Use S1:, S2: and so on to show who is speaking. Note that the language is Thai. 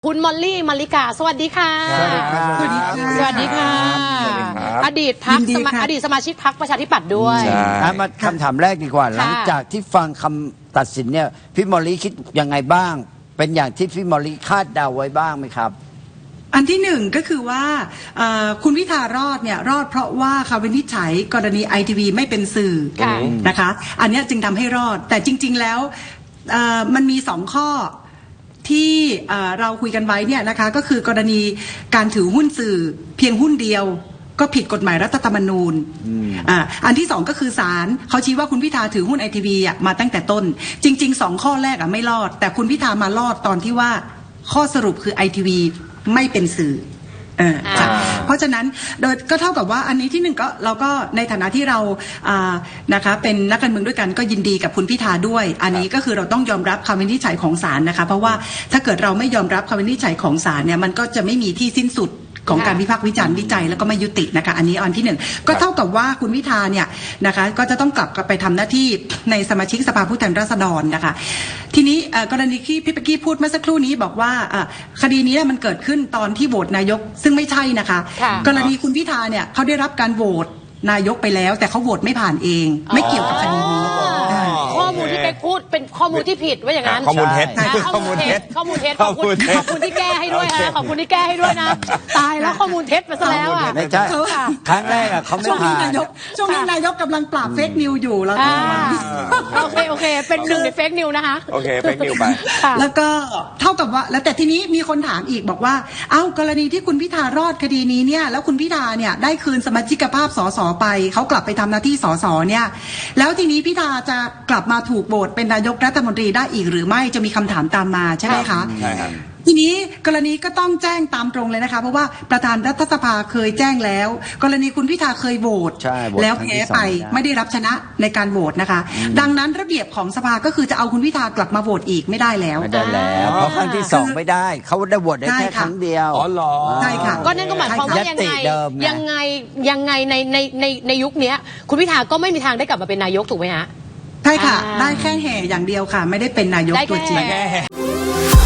S1: คุณมอลลี่มาริกาสวัสดีค่ะ
S2: สวัสดีครับ
S1: สวัสดีค่ะสวัสดีค่ะ อดีตสมาชิกพรรคประชาธิปัตย์ด้วย
S2: มาคำถามแรกดีกว่าหลังจากที่ฟังคำตัดสินเนี่ยพี่มอลลี่คิดยังไงบ้าง เป็นอย่างที่พี่มอลลี่คาดเดาไว้บ้างไหมครับ
S3: อันที่หนึ่งก็คือว่าคุณพิธารอดเนี่ยรอดเพราะว่าคำวินิจฉัยกรณีไอทีวีไม่เป็นสื่อนะคะอันนี้จึงทำให้รอดแต่จริงๆแล้วมันมีสองข้อที่เราคุยกันไว้เนี่ยนะคะก็คือกรณีการถือหุ้นสื่อเพียงหุ้นเดียวก็ผิดกฎหมายรัฐธรรมนูญอันที่สองก็คือศาลเขาชี้ว่าคุณพิธาถือหุ้นไอทีวีมาตั้งแต่ต้นจริงๆสองข้อแรกไม่รอดแต่คุณพิธามารอดตอนที่ว่าข้อสรุปคือไอทีวีไม่เป็นสื่อเพราะฉะนั้นโดยก็เท่ากับว่าอันนี้ที่หนึ่งก็เราก็ในฐานะที่เรานะคะเป็นนักการเมืองด้วยกันก็ยินดีกับคุณพิธาด้วยอันนี้ก็คือเราต้องยอมรับคำวินิจฉัยของศาลนะคะเพราะว่าถ้าเกิดเราไม่ยอมรับคำวินิจฉัยของศาลเนี่ยมันก็จะไม่มีที่สิ้นสุดของการวิพากษ์วิจารณ์วิจัยแล้วก็ไม่ยุตินะคะอันนี้อันที่หนึ่งก็เท่ากับว่าคุณพิธาเนี่ยนะคะก็จะต้องกลับไปทำหน้าที่ในสมาชิกสภาผู้แทนราษฎรนะคะทีนี้กรณีที่พี่เป๊กกี้พูดเมื่อสักครู่นี้บอกว่าคดีนี้มันเกิดขึ้นตอนที่โหวตนายกซึ่งไม่ใช่นะคะกรณีคุณพิธาเนี่ยเขาได้รับการโหวตนายกไปแล้วแต่เขาโหวตไม่ผ่านเองไม่เกี่ยวกับคดีนี้
S1: ข้อมูลที่เป็กพูดเป็นข้อมูลที่ผิดว่าอย่างนั้น
S4: ข้อมูลเท็จ
S1: ข้อมูลเท็จขอบคุณที่แก้ให้ด้วยนะขอบคุณที่แก้ให้ด้วยนะตายแล้วข้อมูลเท็จไปซะแล้ว
S2: ไม่ใช่ครั้งแรกเขาไม่ผ่าน
S3: ช่วงนี้นายกกำลังปราบเฟกนิวอยู่แล้ว
S1: โอเคเป็นหนึ่งในเฟกนิวนะคะ
S4: โอเคเฟกนิวไป
S3: แล้วก็เท่ากับว่าแล้วแต่ทีนี้มีคนถามอีกบอกว่าเอ้ากรณีที่คุณพิธารอดคดีนี้เนี่ยแล้วคุณพิธาเนี่ยได้คืนสมาชิกภาพสสไปเขากลับไปทำหน้าที่สสเนี่ยแล้วทีนี้พิธาจะกลับมาถูกโหวตเป็นนายกรัฐมนตรีได้อีกหรือไม่จะมีคำถามตามมาใช่ไหมคะ
S4: ใช่ครับ
S3: ทีนี้กรณีก็ต้องแจ้งตามตรงเลยนะคะเพราะว่าประธานรัฐสภาเคยแจ้งแล้วกรณีคุณพิธาเคยโหวตแล้วแพ้ไปไม่ได้รับชนะในการโหวตนะคะดังนั้นระเบียบของสภาก็คือจะเอาคุณพิธากลับมาโหวตอีกไม่ได้แล้ว
S2: ไม่ได้แล้วเพราะครั้งที่สองไม่ได้เขาได้โหวตได้แค่ครั้งเดียว
S4: อ๋อเหรอ
S3: ใช่ค่ะ
S1: ก็นั่นก็หมายความว่ายังไงในยุคนี้คุณพิธาก็ไม่มีทางได้กลับมาเป็นนายกถูกไหมฮะ
S3: ใช่ค่ะได้แค่แห่อย่างเดียวค่ะไม่ได้เป็นนายกตัวจริง